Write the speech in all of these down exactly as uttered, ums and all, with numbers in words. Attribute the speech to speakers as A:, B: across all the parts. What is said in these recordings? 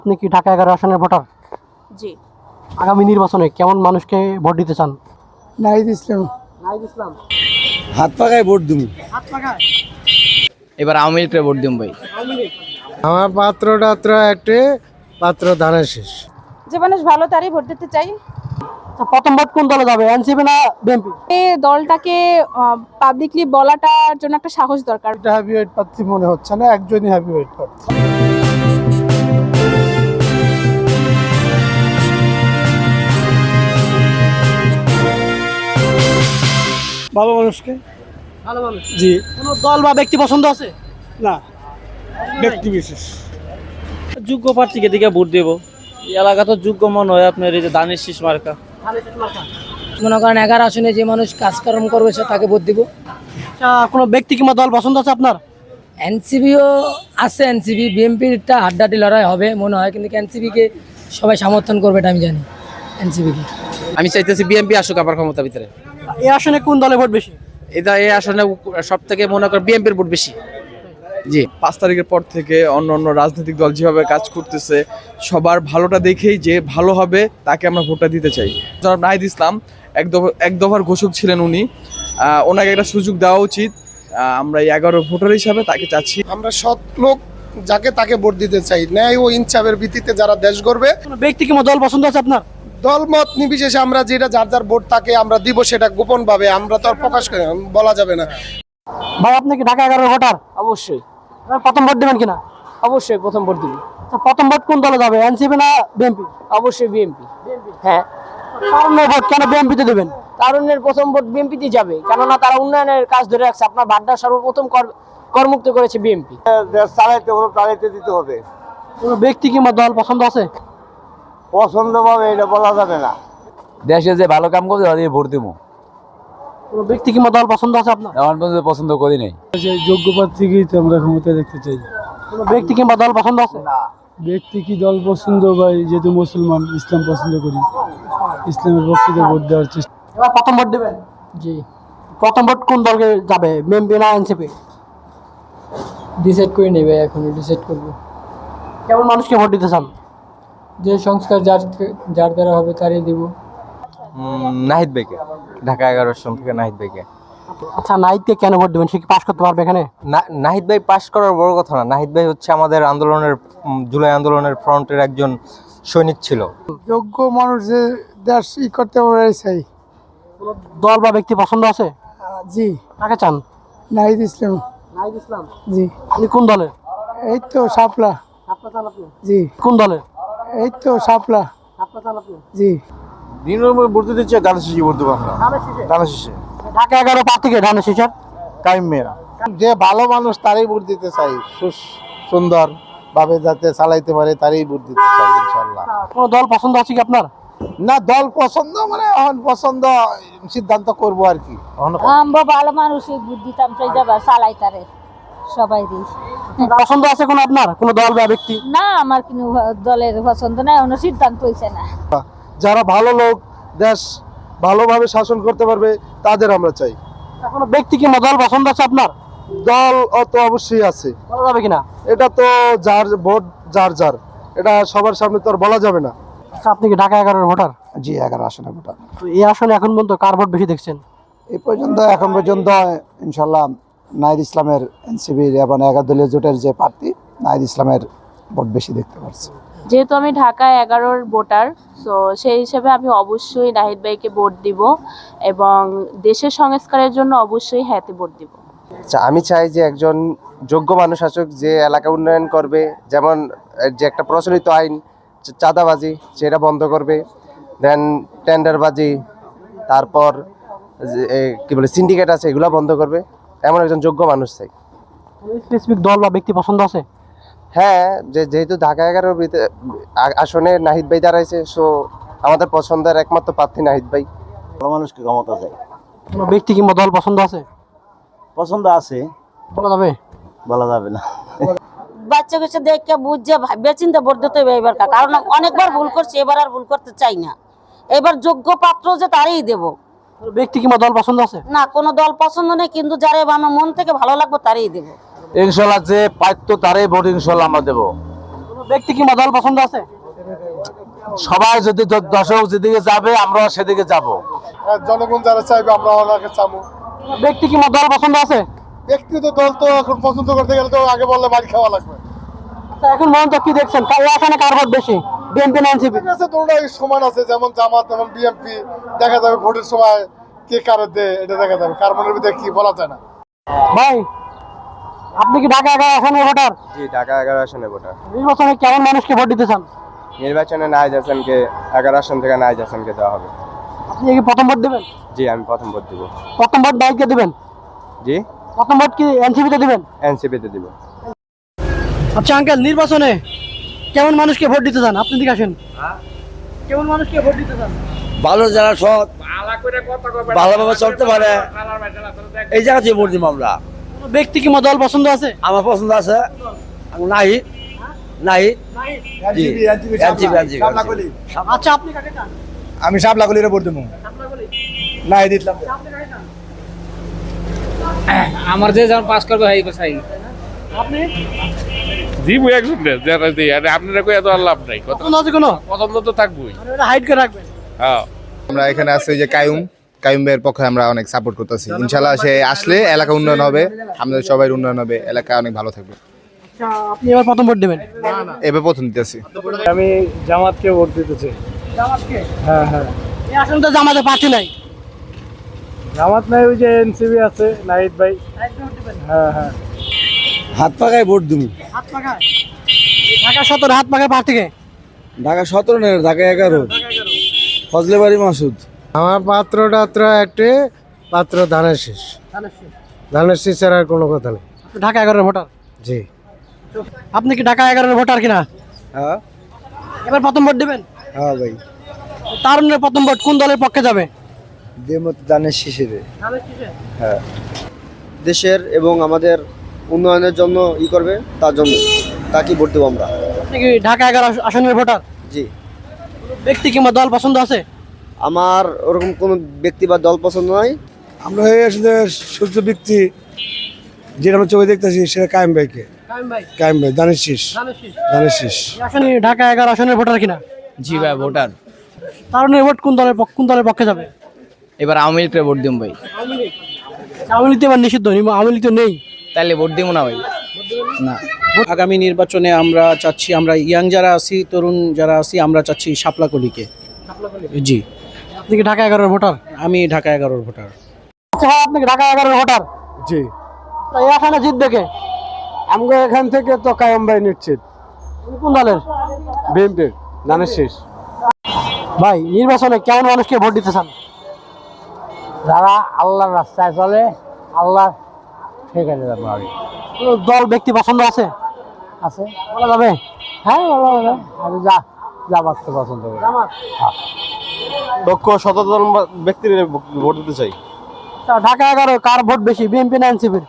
A: আপনি কি ঢাকা এগারো আসনের ভোটার?
B: জি।
A: আগামী নির্বাচনে কেমন মানুষকে ভোট দিতে চান?
C: নাহিদ ইসলাম।
A: নাহিদ ইসলাম।
C: হাত পাকায় ভোট দিবি।
A: হাত পাখায়।
D: এবার আওয়ামী লীগকে ভোট দিম ভাই।
C: আমার পাত্র টাত্র একটা পাত্র ধানের শেষ।
B: যে মানুষ ভালো তারই ভোট দিতে চাই।
A: আচ্ছা, প্রথম ভোট কোন দলে যাবে, এনসিপি না বিএনপি?
B: এই দলটাকে পাবলিকলি বলাটার জন্য একটা সাহস দরকার।
C: এটা হ্যাভিওয়েট প্রার্থী মনে হচ্ছে না, একজনই হ্যাভিওয়েট প্রার্থী। ভালো মানুষকে।
A: ভালো মানুষ।
C: জি
A: কোনো দল বা ব্যক্তি পছন্দ আছে?
C: না, ব্যক্তি বিশেষ।
E: যোগ্য প্রার্থীকে দিকে ভোট দেব। এই এলাকা তো যোগ্য মনে হয় আপনার এই যে ধানের শীষ মার্কা।
F: মনে করেন এগারো আসনে যে মানুষ কাজকর্ম করবে সে তাকে ভোট দিব।
A: আচ্ছা, কোনো ব্যক্তি কিংবা দল পছন্দ আছে আপনার?
F: এনসিপিও আছে, এনসিপি বিএনপিরটা হাড্ডাহাড্ডি লড়াই হবে মনে হয়, কিন্তু এনসিপিকে সবাই সমর্থন করবে এটা আমি জানি। এনসিপিকে
D: আমি চাইতেছি বিএনপি আসুক আবার ক্ষমতা ভিতরে।
A: এই আসনে কোন দলে ভোট বেশি?
D: এটা এই আসনে সব থেকে মনে করেন বিএনপির ভোট বেশি। জি,
G: পাঁচ তারিখের পর থেকে অন্য অন্য রাজনৈতিক দল যেভাবে কাজ করতেছে সবার ভালোটা দেখেই যে ভালো হবে তাকে আমরা ভোটটা দিতে চাই। জনাব নাহিদ ইসলাম এক দফা এক দফার ঘোষক ছিলেন উনি, আহ, ওনাকে একটা সুযোগ দেওয়া উচিত। আহ, আমরা এই এগারো ভোটার হিসাবে তাকে চাচ্ছি।
C: আমরা সৎ লোক যাকে তাকে ভোট দিতে চাই, ন্যায় ও ইনসাফের ভিত্তিতে যারা দেশ গড়বে।
A: কোনো ব্যক্তি কিংবা দল পছন্দ আছে আপনার?
C: দলমত নির্বিশেষে আমরা যেটা যার যার ভোট তাকে আমরা দিব, সেটা গোপন ভাবে আমরা তো আর প্রকাশ করে বলা যাবে না।
A: ভাই, আপনি কি ঢাকা এগারো ভোটার?
F: অবশ্যই
A: এবার প্রথম ভোট দেবেন কিনা?
F: অবশ্যই প্রথম ভোট দিব।
A: আচ্ছা, প্রথম ভোট কোন দলে যাবে, এনসিপি না বিএনপি?
F: অবশ্যই বিএনপি। হ্যাঁ,
A: কারণ ভোট কেন বিএনপিতে দেবেন?
F: তারুণ্যের প্রথম ভোট বিএনপিতে যাবে, কেননা তারা উন্নয়নের কাজ ধরে রাখছে। আপনার ভাড্ডা সর্বপ্রথম কর- করমুক্ত করেছে বিএনপি।
C: চালাইতে হবে, চালাইতে দিতে হবে।
A: কোনো ব্যক্তি কিংবা দল পছন্দ আছে?
C: পছন্দ পাবে এটা বলা যাবে না।
H: দেশে যে ভালো কাম করবে তাদের ভোট দিব।
A: কোনো ব্যক্তি কিংবা দল পছন্দ আছে আপনার?
H: এমন পর্যন্ত পছন্দ করি নাই।
C: যোগ্য প্রার্থীকেই তো আমরা ক্ষমতা দেখতে চাই।
A: কোনো ব্যক্তি কিংবা দল পছন্দ আছে?
C: ব্যক্তি কি দল পছন্দ ভাই, যেহেতু মুসলমান ইসলাম পছন্দ করি, ইসলামের পক্ষে ভোট দেওয়ার চেষ্টা।
A: এবার প্রথম ভোট দেবেন?
F: জি,
A: প্রথম ভোট কোন দলকে যাবে, বিএনপি না এনসিপি?
F: ডিসাইড করে নেবে, এখন ডিসাইড করবো।
A: কেমন মানুষকে ভোট দিতে চান?
F: যে সংস্কার যার যার দ্বারা হবে তারই দিব।
H: নাহিদ ভাইকে, ঢাকা এগারো আসন থেকে নাহিদ ভাইকে।
A: আচ্ছা, নাহিদকে কেন ভোট দেবেন? সে কি পাশ করতে পারবে এখানে?
H: নাহিদ ভাই পাশ করার বড় কথা না, নাহিদ ভাই হচ্ছে আমাদের আন্দোলনের উম, জুলাই আন্দোলনের ফ্রন্টের একজন সৈনিক ছিল।
C: যোগ্য মানুষ যে দেশ ই করতে পারে চাই।
A: কোনো দল বা ব্যক্তি পছন্দ আছে?
C: জি,
A: কাকে চান?
C: নাহিদ ইসলাম।
A: নাহিদ ইসলাম।
C: জি,
A: আপনি কোন দলের?
C: এই তো শাপলা।
A: আপনার চান আপনি?
C: জি,
A: কোন দলের?
C: এই তো শাপলা।
A: আপনার চান আপনি?
C: জি,
H: দিনের ভোট দিতে চাই, ধানের শীষে ভোট দেবো আমরা।
A: ধানের শীষে?
H: ধানের শীষে
A: ঢাকা এগারো প্রার্থীকে ধানের শীষের
H: কাইম মেয়েরা।
C: যে ভালো মানুষ তারই ভোট দিতে চাই, সুন্দর ভাবে যাতে চালাইতে পারে তারই ভোট দিতে চাই ইনশাল্লাহ।
A: কোনো দল পছন্দ আছে কি আপনার?
C: না, দল পছন্দ মানে এখন পছন্দ সিদ্ধান্ত করবো আর কি।
I: আমরা ভালো মানুষই বুদ্ধি তাম চাই যাবা চালাই তারে সবাই দিই।
A: পছন্দ আছে কোনো আপনার, কোনো দল বা ব্যক্তি?
I: না, আমার কোনো দলের পছন্দ নাই, কোনো সিদ্ধান্ত হয়েছে না।
C: যারা ভালো লোক, দেশ ভালোভাবে শাসন করতে পারবে তাদের আমরা চাই।
A: কোনো ব্যক্তি কিংবা দল পছন্দ আছে আপনার?
C: দল অত অবশ্যই আছে,
A: বলা যাবে কিনা?
C: এটা তো যার ভোট যার যার, এটা সবার সামনে তো আর বলা যাবে না।
A: আচ্ছা, আপনি কি ঢাকা এগারোর ভোটার?
C: জি, এগারো আসনে ভোটার।
A: তো এই আসনে এখন পর্যন্ত কার ভোট বেশি দেখছেন?
C: এই পর্যন্ত এখন পর্যন্ত ইনশাল্লাহ নাহিদ ইসলামের, এনসিপির এবং এগারো দলীয় জোটের যে প্রার্থী নাহিদ ইসলামের ভোট বেশি দেখতে পাচ্ছি।
B: যেহেতু আমি ঢাকা এগারোর ভোটার, সো সেই হিসেবে আমি অবশ্যই নাহিদ ভাইকে ভোট দিব এবং দেশের সংস্কারের জন্য অবশ্যই হ্যাঁতে ভোট দিব।
J: আচ্ছা, আমি চাই যে একজন যোগ্য মানুষ আসুক যে এলাকা উন্নয়ন করবে, যেমন যে একটা প্রচলিত আইন চাঁদাবাজি সেটা বন্ধ করবে, দেন টেন্ডারবাজি, তারপর কি বলে সিন্ডিকেট আছে এগুলো বন্ধ করবে, এমন একজন যোগ্য মানুষ চাই।
A: স্পেসিফিক দল বা ব্যক্তি পছন্দ আছে?
J: হ্যাঁ, যে যেহেতু ঢাকা এগারোর আসনে নাহিদ ভাই দাঁড়াইছে, সো আমাদের পছন্দের একমাত্র প্রার্থী নাহিদ ভাই।
H: ভালো মানুষকে ক্ষমতা চাই।
A: কোনো ব্যক্তি কিংবা দল পছন্দ আছে?
H: পছন্দ আছে,
A: বলা যাবে?
H: বলা যাবে না।
I: বাচ্চা কাছে দেখে বুঝছে ভাববে চিন্তা ভোট দিতে হবে এবার, কারণ অনেকবার ভুল করছে, এবার আর ভুল করতে চাই না। এবার যোগ্য পাত্র যে তারই দেব।
A: কোনো ব্যক্তি কিংবা দল পছন্দ আছে?
I: না, কোনো দল পছন্দ নেই, কিন্তু যারা আমার মন থেকে ভালো লাগবে তারই দেব।
H: ইনশাল্লাহ যে পাইতো তারই ভোট ইনশাল্লাহ আমরা দেবো।
A: কোনো ব্যক্তি কিংবা দল পছন্দ আছে?
C: সবাই যদি দ- দর্শক যেদিকে যাবে আমরা সেদিকে যাব।
J: জনগণ যারা চাইবে আমরা ওনাকে চাবো।
A: ব্যক্তি কিংবা দল পছন্দ আছে?
J: ব্যক্তিগত দল তো এখন পছন্দ করতে গেলে তো আগে বললে বাড়ি খাওয়া লাগবে।
A: আচ্ছা, এখন পর্যন্ত কি দেখছেন কার এখানে কার ভোট বেশি, বিএনপি না এনসিপি?
J: ঠিক আছে, দুটোটাই সমান আছে, যেমন জামাত তেমন বিএনপি। দেখা যাবে ভোটের সময় কে কারে দেয় এটা দেখা যাবে, কার মনের ভিতরে কি বলা যায় না।
A: ভাই, আপনি কি ঢাকা এগারো আসনের ভোটার?
J: জি, ঢাকা এগারো আসনে ভোটার।
A: নির্বাচনে কেমন মানুষকে ভোট দিতে চান?
J: নির্বাচনে নাহিদ হাসানকে, এগারো আসন থেকে নাহিদ হাসানকে দেওয়া হবে।
A: আপনি কি প্রথম ভোট দেবেন?
J: জি, আমি প্রথম ভোট দিব।
A: প্রথম ভোট নাহিদকে দিবেন?
J: জি,
A: প্রথম ভোট কি এনসিপিতে দিবেন?
J: এনসিপিতে দিব।
A: আচ্ছা আঙ্কেল, নির্বাচনে কেমন মানুষকে ভোট দিতে চান? আপনি দিকে আসেন। কেমন মানুষকে ভোট দিতে চান?
E: ভালো যারা সৎ ভালোভাবে চলতে পারে এই জায়গাতে ভোট দিব আমরা।
A: কোনো ব্যক্তি কিংবা দল পছন্দ আছে?
E: আমার পছন্দ আছে নাই নাই জি এনসিপি এনসিপি
A: আচ্ছা, আপনি কাকে চান?
C: আমি শাপলাকলিরে ভোট দেবো। নাই দিলাম।
D: আমার যে যখন পাস করবে এই চাই
A: আপনি
K: দিব একজন যারা দিই আর আপনারা কই এত আর লাভ নাই, কত
A: পছন্দ আছে কোনো?
K: পছন্দ তো থাকবোই।
A: হাইড করে রাখবেন।
K: হ্যাঁ,
J: আমরা এখানে আছি যে কায়ুম কায়ুম ভাইয়ের পক্ষে আমরা অনেক সাপোর্ট করতেছি। ইনশাল্লাহ সে আসলে এলাকা উন্নয়ন হবে, আমাদের সবাই উন্নয়ন হবে, এলাকা অনেক ভালো থাকবে।
A: আচ্ছা, আপনি এবার প্রথম ভোট দেবেন?
J: এবার প্রথম দিতেছি।
E: আমি জামাতকে ভোট দিতে চাই।
A: জামাতকে?
E: হ্যাঁ হ্যাঁ
A: এই আসনটা জামাতে পার্টি নাই।
E: জামাত নাই, ওই যে এনসিপি আছে নাহিদ ভাই। হ্যাঁ হ্যাঁ হাত পাকায় ভোট দিব।
A: হাত পাখায়? ঢাকা সতেরো হাত পাখায় প্রার্থীকে?
E: ঢাকা সতেরো নেই, ঢাকা এগারো। ফজলে বাড়ি মাসুদ।
C: আমার পাত্র টাত্র একটি পাত্র ধানের শেষ। ধানের শেষ ছাড়া আর কোনো কথা নেই।
A: আপনি ঢাকা এগারোর ভোটার?
C: জি।
A: আপনি কি ঢাকা এগারোর ভোটার কিনা?
C: হ্যাঁ
A: এবার প্রথম ভোট দেবেন?
C: হ্যাঁ ভাই,
A: তারুণের প্রথম ভোট কোন দলের পক্ষে যাবে?
C: দেমত ধানের শেষে।
A: হ্যাঁ।
C: দেশের এবং আমাদের উন্নয়নের জন্য ই করবে, তার জন্য তাকে ভোট দেবো আমরা।
A: আপনি কি ঢাকা এগারো আসনের ভোটার?
C: জি।
A: ব্যক্তি কিংবা দল পছন্দ আছে?
C: আমার ওরকম কোনো ব্যক্তি বা দল পছন্দ নয়। আমরা এই আসলে সূর্য ব্যক্তি যেটা আমরা চোখে দেখতেছি সেটা কায়েম ভাইকে।
A: কায়েম ভাই?
C: কায়েম ভাই ধানের শীষ। ধানের শীষ।
A: এই আসনে ঢাকা এগারো আসনের ভোটার কিনা?
D: জি ভাই ভোটার।
A: তারুণের ভোট কোন দলের পক্ষ- কোন দলের পক্ষে যাবে?
D: এবার আওয়ামী লীগকে ভোট দিব ভাই।
A: আওয়ামী লীগ তো এবার নিষিদ্ধ, আওয়ামী লীগ তো নেই।
D: তাইলে ভোট দিব না ভাই।
E: না, আগামী নির্বাচনে আমরা চাচ্ছি, আমরা ইয়াং যারা আছি, তরুণ যারা আছি, আমরা চাচ্ছি শাপলাকলিকে। জি,
A: আপনি কি ঢাকা এগারোর ভোটার?
E: আমি ঢাকা এগারোর ভোটার।
A: আচ্ছা ভাই, আপনি কি ঢাকা এগারোর ভোটার?
C: জি।
A: তা এই আসনে জিতবে কে?
C: আমরা এখান থেকে তো কায়েম ভাই নিশ্চিত।
A: উনি কোন দলের?
C: বিএনপির ধানের শীষ।
A: ভাই, নির্বাচনে কেমন মানুষকে ভোট দিতে চান?
C: যারা আল্লাহর রাস্তায় চলে, আল্লাহ সেখানে যাবো। আমি
A: কোনো দল ব্যক্তি পছন্দ আছে?
C: আছে।
A: বলা যাবে?
C: হ্যাঁ, ভালো হবে। আমি যা জামাতকে পছন্দ করি।
A: জামাত?
J: দক্ষ সচেতন ব্যক্তির ভোট দিতে চাই।
A: তা ঢাকা এগারো কার ভোট বেশি, বিএনপি না এনসিপির?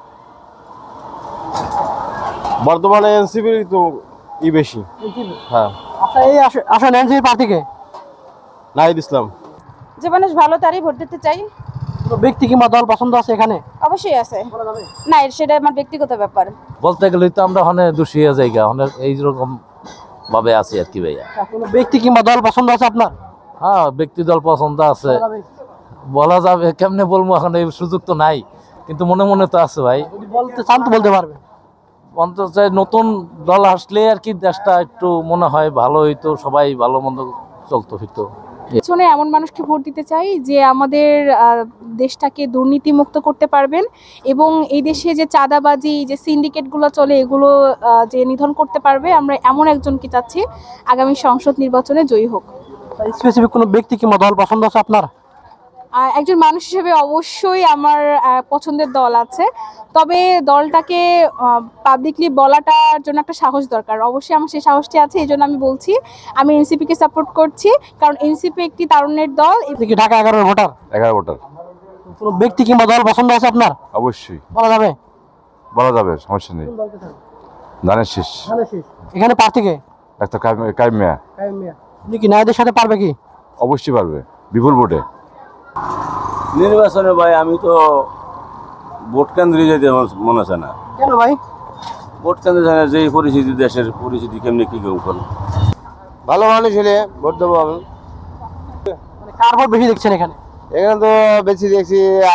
J: বর্তমানে এনসিপির তো ই বেশি। হ্যাঁ,
A: আচ্ছা, এই আস- আসন এনসিপি প্রার্থীকে?
J: নাহিদ ইসলাম।
B: যে মানুষ ভালো তারই ভোট দিতে চাই।
A: কোনো ব্যক্তি কিংবা দল পছন্দ আছে এখানে?
B: অবশ্যই আছে। না, সেটা আমার ব্যক্তিগত ব্যাপার।
E: বলতে গেলে তো আমরা অনেক দোষী হয়ে যাই, অনেক এইরকম ভাবে আছি আর কি ভাইয়া।
A: কোনো ব্যক্তি কিংবা দল পছন্দ আছে আপনার?
E: হ্যাঁ, ব্যক্তি দল পছন্দ আছে।
A: বলা যাবে?
E: বলা যাবে কেমনে বলবো, এখন এই সুযোগ তো নাই, কিন্তু মনে মনে তো আছে ভাই।
A: যদি বলতে চান তো বলতে পারবে।
E: অন্তত নতুন দল আসলে আর কি দেশটা একটু মনে হয় ভালো হইতো, সবাই ভালো মন্দ চলতো ফিরতো।
B: পেছনে এমন মানুষকে ভোট দিতে চাই যে আমাদের আহ, দেশটাকে দুর্নীতিমুক্ত করতে পারবেন এবং এই দেশে যে চাঁদাবাজি, যে সিন্ডিকেটগুলো চলে, এগুলো আহ, যে নিধন করতে পারবে। আমরা এমন একজনকে চাচ্ছি আগামী সংসদ নির্বাচনে জয়ী হোক।
A: স্পেসিফিক কোনো ব্যক্তি কিংবা দল পছন্দ আছে আপনার?
B: আহ, একজন মানুষ হিসেবে অবশ্যই আমার আহ, পছন্দের দল আছে, তবে দলটাকে পাবলিকলি বলাটার জন্য একটা সাহস দরকার। অবশ্যই আমার সেই সাহসটি আছে, এই জন্য আমি বলছি আমি এনসিপিকে সাপোর্ট করছি, কারণ এনসিপি একটি তারুণ্যের দল।
A: আপনি কি ঢাকা এগারোর ভোটার?
J: এগারো ভোটার।
A: কোনো ব্যক্তি কিংবা দল পছন্দ আছে আপনার?
J: অবশ্যই
A: বলা যাবে?
J: বলা যাবে, সমস্যা নেই। ধানের শীষ।
A: এখানে প্রার্থীকে?
J: একটা কায়েম মিয়া।
A: আপনি কি নায়দের সাথে পারবে কি?
J: অবশ্যই পারবে, বিপুল ভোটে।
E: নির্বাচনে ভাই আমি তো ভোট কেন্দ্রে যেতে মনে আছে না।
A: কেন ভাই?
L: ভোট কেন্দ্রে যায় যে পরিস্থিতি, দেশের পরিস্থিতি কেমনি কি কেউ করলো।
J: ভালো মানুষ হলে ভোট দেবো আমি।
A: মানে কার ভোট বেশি দেখছেন এখানে?
J: এখানে তো বেশি দেখছি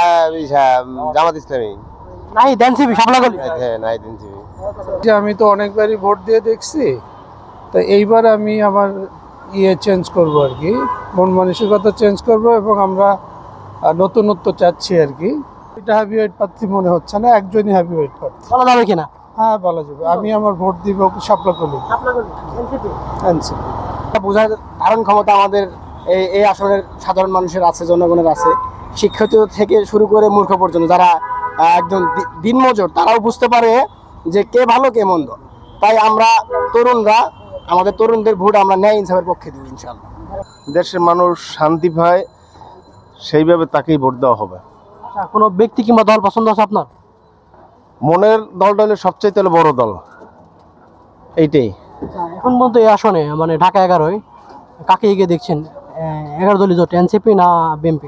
J: জামাত ইসলামী।
A: নাই এনসিপি শাপলাকলি।
J: হ্যাঁ নাই দিনছি।
E: আমি তো অনেকবারই ভোট দিয়ে দেখছি, তো এইবার আমি আমার ইয়ে চেঞ্জ করব আর কি, মন মানসিকতা চেঞ্জ করব এবং আমরা নতুনত্ব চাচ্ছি আর কি। এটা হ্যাভিওয়েট প্রার্থী মনে হচ্ছে না, একজনই হ্যাভিওয়েট প্রার্থী।
A: বলা যাবে কিনা?
E: হ্যাঁ বলা যাবে। আমি আমার ভোট দিব শাপলাকলি।
A: শাপলাকলি এনসিপি।
E: এনসিপি
A: বোঝার ধারণ ক্ষমতা আমাদের এই এই আসনের সাধারণ মানুষের আছে, জনগণের আছে, শিক্ষিত থেকে শুরু করে মূর্খ পর্যন্ত যারা আহ, একদম দি- দিনমজুর, তারাও বুঝতে পারে যে কে ভালো কে মন্দ। তাই আমরা তরুণরা আমাদের তরুণদের ভোট আমরা ন্যায় ইনসাফের পক্ষে দিব ইনশাআল্লাহ।
J: দেশের মানুষ শান্তি পায়, সেইভাবে তাকেই ভোট দেওয়া হবে।
A: আচ্ছা, কোনো ব্যক্তি কিংবা দল পছন্দ আছে আপনার?
J: মনের দলটা হলে সবচাইতে হলো বড় দল, এইটাই।
A: এখন পর্যন্ত এই আসনে মানে ঢাকা এগারোয় কাকে এগিয়ে দেখছেন? আহ, এগারো দলীয় জোট এনসিপি না বিএনপি?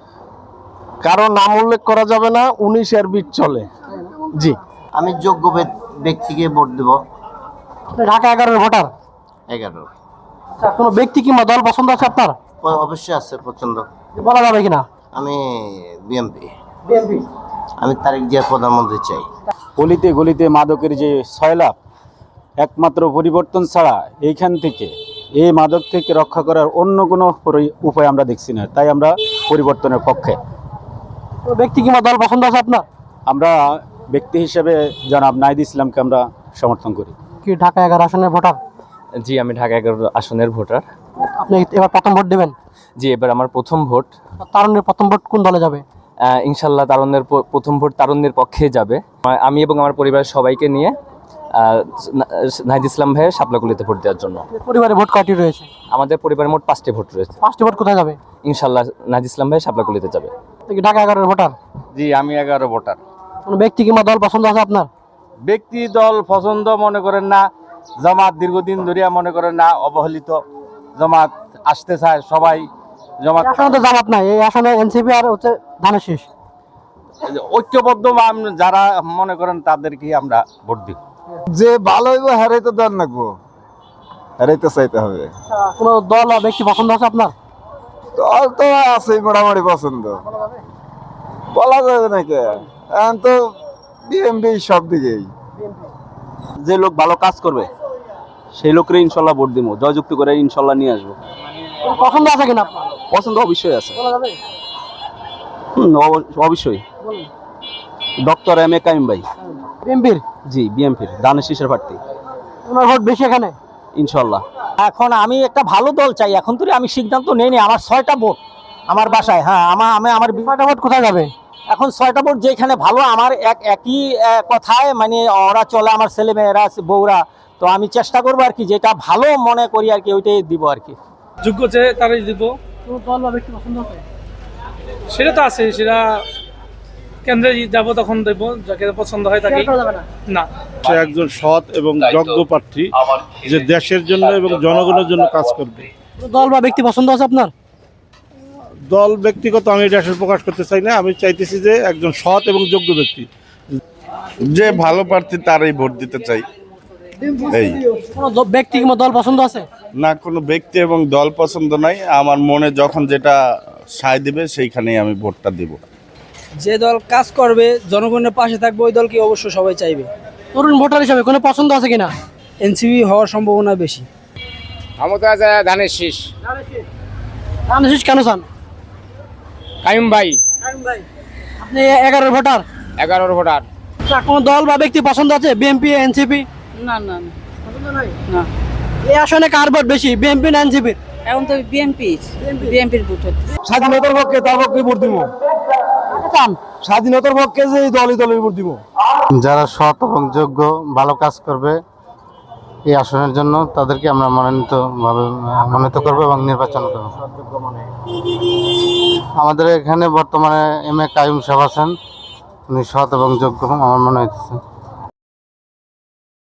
J: কারো নাম উল্লেখ করা যাবে না, উনিশ এর বিট চলে। জি,
C: আমি যোগ্য ব্যক্তিকে ভোট দেব।
A: আপনি ঢাকা এগারোর ভোটার।
C: এগারো
A: আচ্ছা, কোনো ব্যক্তি কিংবা দল পছন্দ আছে আপনার?
C: অবশ্যই আছে পছন্দ।
A: বলা যাবে কিনা?
C: আমি বিএমপি,
A: বিএনপি।
C: আমি তারেক জিয়া প্রধানমন্ত্রী চাই।
L: গলিতে গলিতে মাদকের যে ছয়লাভ, একমাত্র পরিবর্তন ছাড়া এইখান থেকে এই মাদক থেকে রক্ষা করার অন্য কোনো পরি- উপায় আমরা দেখছি না। তাই আমরা পরিবর্তনের পক্ষে।
A: কোনো ব্যক্তি কিংবা দল পছন্দ আছে আপনার?
L: আমরা ব্যক্তি হিসেবে জনাব নাহিদ ইসলামকে আমরা সমর্থন করি।
A: কি ঢাকা এগারো আসনের ভোটার?
H: জি, আমি ঢাকা এগারো আসনের ভোটার।
A: আপনি এবার প্রথম ভোট দেবেন?
H: জি, এবার আমার প্রথম ভোট।
A: তারুণ্যের প্রথম ভোট কোন দলে যাবে?
H: আহ, ইনশাল্লাহ তারুণ্যের প- প্রথম ভোট তারুণ্যের পক্ষে যাবে। আ- আমি এবং আমার পরিবারের সবাইকে নিয়ে আহ, না- নাহিদ ইসলাম ভাইয়ের শাপলাকলিতে ভোট দেওয়ার জন্য।
A: পরিবারে ভোট কয়টি রয়েছে?
H: আমাদের পরিবারের মোট পাঁচটি ভোট রয়েছে।
A: পাঁচটি ভোট কোথায় যাবে?
H: ইনশাল্লাহ নাহিদ ইসলাম ভাই শাপলাকলিতে যাবে।
A: আপনি কি ঢাকা এগারোর ভোটার?
L: জি, আমি এগারো ভোটার।
A: কোনো ব্যক্তি কিংবা দল পছন্দ আছে আপনার?
L: ব্যক্তি দল পছন্দ মনে করেন না, জামাত দীর্ঘদিন ধরিয়া মনে করেন না অবহেলিত, জামাত আসতে চায় সবাই। জামাত
A: এই আসনে তো জামাত নাই, এই আসনে এনসিপি আর হচ্ছে ধানের শীষ।
L: ঐক্যবদ্ধ আম- যারা মনে করেন তাদেরকে আমরা ভোট দিই।
J: যে ভালো হইব হারাইতে দেন লাগবো, হারাইতে চাইতে হবে।
A: কোনো দল বা ব্যক্তি পছন্দ আছে আপনার?
J: দল তো আছে মোটামুটি পছন্দ, বলা যাবে নাকি। এখন তো বিএমপি সব দিকেই।
L: যে লোক ভালো কাজ করবে সেই লোকের ইনশাল্লাহ ভোট দিব, জয়যুক্ত করে ইনশাল্লাহ নিয়ে আসবো।
A: কোনো পছন্দ আছে কিনা আপনার?
L: পছন্দ অবশ্যই আছে।
A: বলা যাবে?
L: হুম, অব- অবশ্যই। ডক্টর এম এ কাইম ভাই।
A: বিএনপির?
L: জি, বিএমপির দানের শীষের প্রার্থী
A: ওনার ভোট বেশি এখানে?
L: ইনশাল্লাহ।
M: এখন আমি একটা ভালো দল চাই, এখন তো আমি সিদ্ধান্ত নেইনি। আমার ছয়টা ভোট আমার বাসায়। হ্যাঁ, আমার আমি আমার
A: ছয়টা ভোট কোথায় যাবে?
M: এখন ছয়টা ভোট যেখানে ভালো, আমার এক একই আহ, কথায় মানে ওরা চলে, আমার ছেলে মেয়েরা বউরা। তো আমি চেষ্টা করবো আর কি, যেটা ভালো মনে করি আর কি ওইটাই দিব আর কি।
F: যোগ্য যে তারাই দিব।
A: কোনো দল বা ব্যক্তি পছন্দ আছে?
F: সেটা তো আছে, সেটা কেন্দ্রে যাবো তখন দেবো, যাকে পছন্দ হয় তাকে।
A: শেয়ার করা যাবে না?
F: না,
K: সে একজন সৎ এবং যোগ্য প্রার্থী, যে দেশের জন্য এবং জনগণের জন্য কাজ করবে।
A: কোনো দল বা ব্যক্তি পছন্দ আছে আপনার?
K: দল ব্যক্তিগত আমি এটা আসলে প্রকাশ করতে চাই না। আমি চাইতেছি যে একজন সৎ এবং যোগ্য ব্যক্তি,
G: যে ভালো প্রার্থী তারই ভোট দিতে চাই। এই
A: কোনো দ- ব্যক্তি কিংবা দল পছন্দ আছে?
G: না, কোনো ব্যক্তি এবং দল পছন্দ নাই, আমার মনে যখন যেটা সায় দিবে সেইখানেই আমি ভোটটা দিব।
F: যে দল কাজ করবে, জনগণের পাশে থাকবে, ওই দলকে অবশ্য সবাই চাইবে।
A: তরুণ ভোটার হিসাবে কোনো পছন্দ আছে কিনা?
F: এনসিপি হওয়ার সম্ভাবনা বেশি।
D: আমার তো আছে ধানের শীষ,
A: ধানের শীষ কেন চান?
D: কাইম ভাই
A: আপনি এগারোর ভোটার?
D: এগারোর ভোটার।
A: আচ্ছা, কোনো দল বা ব্যক্তি পছন্দ আছে? BNP, NCP?
B: না না না
A: পছন্দ নাই? না। এই আসনে কার ভোট বেশি, বিএনপি না এনসিপি?
B: এখন তো বিএনপি বিএনপির ভোট হচ্ছে।
J: স্বাধীনতার পক্ষে তার পক্ষে ভোট দিব।
A: চান
J: স্বাধীনতার পক্ষে যে দলই দলের ভোট দিব। যারা সৎ এবং যোগ্য ভালো কাজ করবে এই আসনের জন্য, তাদেরকে আমরা মনোনীত ভাবে মনোনীত করবো এবং নির্বাচন করবো। আমাদের এখানে বর্তমানে এম এ কাইম সাহেব আছেন, উনি সৎ এবং যোগ্য আমার মনে হইতেছে।